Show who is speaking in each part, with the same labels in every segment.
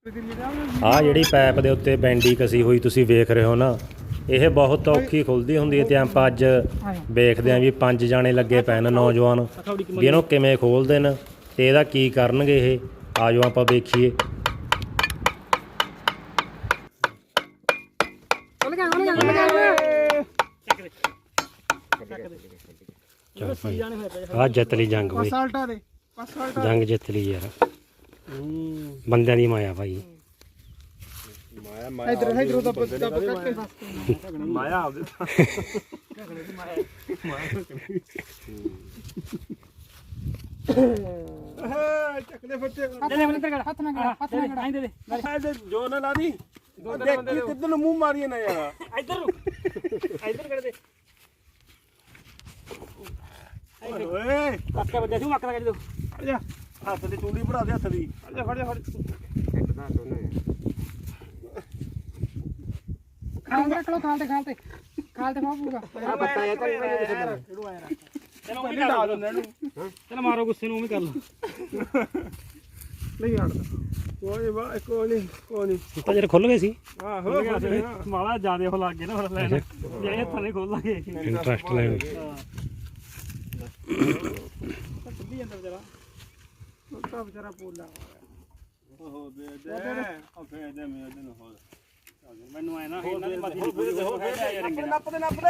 Speaker 1: ਆਹ ਜਿਹੜੀ ਪੈਪ ਦੇ ਉੱਤੇ ਬੈਂਡੀ ਕਸੀ ਹੋਈ ਤੁਸੀਂ ਵੇਖ ਰਹੇ ਹੋ ਨਾ, ਇਹ ਬਹੁਤ ਔਖੀ ਖੁੱਲਦੀ ਹੁੰਦੀ ਹੈ। ਤੇ ਆਪਾਂ ਅੱਜ ਵੇਖਦੇ ਆਂ ਵੀ 5 ਜਾਣੇ ਲੱਗੇ ਪਏ ਨੇ ਨੌਜਵਾਨ, ਵੀ ਇਹਨੂੰ ਕਿਵੇਂ ਖੋਲਦੇ ਨੇ ਤੇ ਇਹਦਾ ਕੀ ਕਰਨਗੇ ਇਹ। ਆ ਜਾਓ ਆਪਾਂ ਵੇਖੀਏ। ਆ ਜਿੱਤ ਲਈ ਜੰਗ ਬਈ, ਜੰਗ ਜਿੱਤ ਲਈ ਯਾਰ, ਬੰਦਿਆਂ ਦੀ ਮਾਇਆ ਭਾਈ।
Speaker 2: ਮਾਇਆ ਆਪਦੇ ਚੱਕਦੇ ਫੱਟੇ
Speaker 3: ਹੱਥ ਨਾ ਦੇ
Speaker 2: ਜੋ ਨਾ ਲਾ ਦੀ ਦੇਖੀ ਕਿੱਧਰ ਨੂੰ ਮੂੰਹ ਮਾਰੀਏ ਨਾ ਯਾਰ।
Speaker 3: ਇੱਧਰ ਕਰ ਦੇ
Speaker 2: ਓਏ
Speaker 3: ਕੱਕੇ ਵੱਜਿਆ ਸੀ ਮੱਕ ਦਾ ਕੱਢ ਦੋ।
Speaker 2: ਆਜਾ ਹੱਥ ਦੀ ਚੂੜੀ ਭਰਾ ਦੇ ਹੱਥ ਦੀ। ਆਜਾ ਫੜ ਜਾ ਫੜ
Speaker 3: ਖਾਲ ਤੇ ਮਾਪੂਗਾ ਆ ਬੱਤਾ ਇਹ ਤਾਂ ਕਿਹੜੂ ਆਇਆ ਚਲੋ ਉਹ ਲਾ ਦਿੰਦੇ ਇਹਨੂੰ। ਚਲ ਮਾਰੋ ਗੁੱਸੇ ਨੂੰ ਉਹ ਵੀ ਕਰ ਲਓ।
Speaker 2: ਨਹੀਂ ਹਟਦਾ ਕੋਈ ਨਹੀਂ
Speaker 1: ਤਾਂ ਜਦ ਖੁੱਲ ਗਏ ਸੀ
Speaker 2: ਆਹੋ
Speaker 3: ਮਾਲਾ ਜਿਆਦੇ ਉਹ ਲੱਗ ਗਏ ਨਾ ਫਿਰ ਲੈਣ ਜਿਹੜੇ ਥੱਲੇ ਖੋਲ ਲਾਂਗੇ
Speaker 1: ਇੰਟਰਸਟ ਲੈਣ।
Speaker 3: ਸਿੱਧੀ ਜਾਂਦਾ ਵਿਚਾਰਾ
Speaker 2: ਤਾਂ ਵਿਚਾਰਾ ਪੋਲਾ ਉਹ ਦੇ ਉਹ ਫੇਰ ਦੇ ਮੇਰੇ ਦਿਨ ਹੋ
Speaker 3: ਮੈਨੂੰ ਆਇਆ ਨਾ ਇਹਨਾਂ ਦੀ ਮੱਥੀ ਦੀ ਪੂਰੀ ਹੋ ਗਿਆ ਯਾਰ ਰੰਗੇ
Speaker 2: ਨੱਪ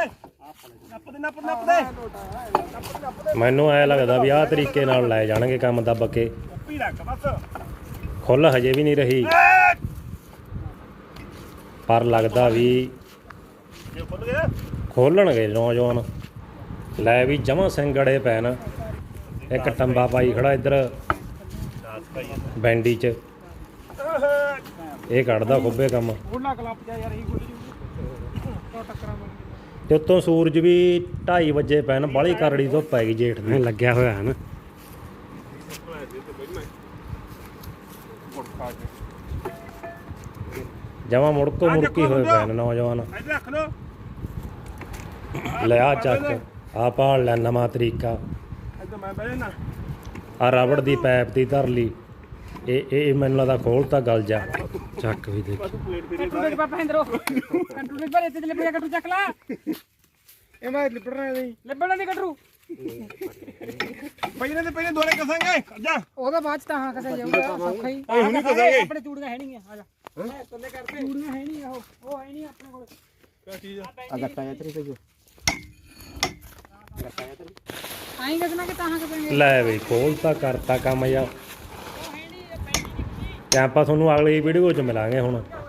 Speaker 2: ਦੇ
Speaker 1: ਮੈਨੂੰ ਐ ਲੱਗਦਾ ਵੀ ਆਹ ਤਰੀਕੇ ਨਾਲ ਲੈ ਜਾਣਗੇ ਕੰਮ ਦੱਬ ਕੇ।
Speaker 2: ਪੀ ਰੱਖ ਬਸ
Speaker 1: ਖੁੱਲ ਹਜੇ ਵੀ ਨਹੀਂ ਰਹੀ, ਪਰ ਲੱਗਦਾ ਵੀ
Speaker 2: ਜੇ ਖੁੱਲ ਗਿਆ
Speaker 1: ਖੋਲਣਗੇ ਨੌਜਵਾਨ। ਲੈ ਵੀ ਜਮਾਂ ਸਿੰਗੜੇ ਪੈ ਨਾ, ਇੱਕ ਟੰਬਾ ਪਾਈ ਖੜਾ ਇੱਧਰ ਬੈਂਡੀ 'ਚ, ਇਹ ਕੱਢਦਾ ਖੁੱਬੇ ਕੰਮ।
Speaker 3: ਗੁੱਲਾ ਕਲੱਪ ਜਾ ਯਾਰ ਇਹ ਗੁੱਲੀ ਟੱਕਰਾਂ
Speaker 1: ਤੇ ਉੱਤੋਂ ਸੂਰਜ ਵੀ 2:30 ਵਜੇ ਪੈਣ, ਬਾਹਲੀ ਕਰੜੀ ਧੁੱਪ ਪੈ ਗਈ ਜੇਠ ਦੀ, ਲੱਗਿਆ ਹੋਇਆ ਹੈ ਨਾ। ਜਮਾਂ ਮੁੜਕੋ ਮੁੜਕੀ ਹੋਏ ਪਏ ਨੇ ਨੌਜਵਾਨ।
Speaker 2: ਇੱਧਰ ਰੱਖ ਲੋ
Speaker 1: ਲਿਆ ਚੱਕ ਆ ਭਾਲ ਲੈ ਨਵਾਂ ਤਰੀਕਾ।
Speaker 2: ਇੱਧਰ ਮੈਂ ਬਹਿ ਜਾਣਾ।
Speaker 1: ਆ ਰਬੜ ਦੀ ਪੈਪ ਦੀ ਧਰ ਲਈ, ਇਹ ਮੈਨੂੰ ਲੱਗਦਾ ਖੋਲਤਾ ਗਲ ਜਾ। ਚੱਕ ਵੀ ਦੇਖ
Speaker 3: ਕੰਟੂ ਦੇ ਪਾਪਾ ਇੰਦਰੋ ਕੰਟੂ ਦੇ ਪਰ ਇੱਥੇ ਲਿਪੜਿਆ ਕੰਟੂ ਚੱਕ ਲਾ।
Speaker 2: ਇਹ ਮੈਂ ਲਿਪੜਨਾ ਨਹੀਂ
Speaker 3: ਲਿਪੜਨਾ ਦੀ ਕੰਟੂ
Speaker 2: ਪਹਿਲੇ ਤੇ ਪਹਿਲੇ ਦੋਲੇ ਕਸਾਂਗੇ ਜਾ।
Speaker 3: ਉਹਦਾ ਬਾਅਦ ਚ ਤਾਂ ਹਾਂ ਕਸੇ ਜਾਊਗਾ ਸੌਖਾ ਹੀ।
Speaker 2: ਹੁਣੀ ਕਸਾਂਗੇ।
Speaker 3: ਆਪਣੇ ਚੂੜੀਆਂ ਹੈ ਨਹੀਂ ਆ ਜਾ ਥੱਲੇ ਕਰਦੇ ਚੂੜੀਆਂ ਹੈ ਨਹੀਂ ਉਹ ਹੈ ਨਹੀਂ ਆਪਣੇ ਕੋਲ।
Speaker 2: ਕੀ ਚੀਜ਼
Speaker 3: ਆ ਗੱਟਾ ਜਾਂ ਤੇਰੀ ਤੇ ਆਈ ਕਸਣਾ ਕਿ ਤਾਂ ਕਸਾਂਗੇ।
Speaker 1: ਲੈ ਬਈ ਖੋਲਤਾ ਕਰਤਾ ਕੰਮ ਯਾਰ। ਤੇ ਆਪਾਂ ਤੁਹਾਨੂੰ ਅਗਲੀ ਵੀਡੀਓ 'ਚ ਮਿਲਾਂਗੇ ਹੁਣ।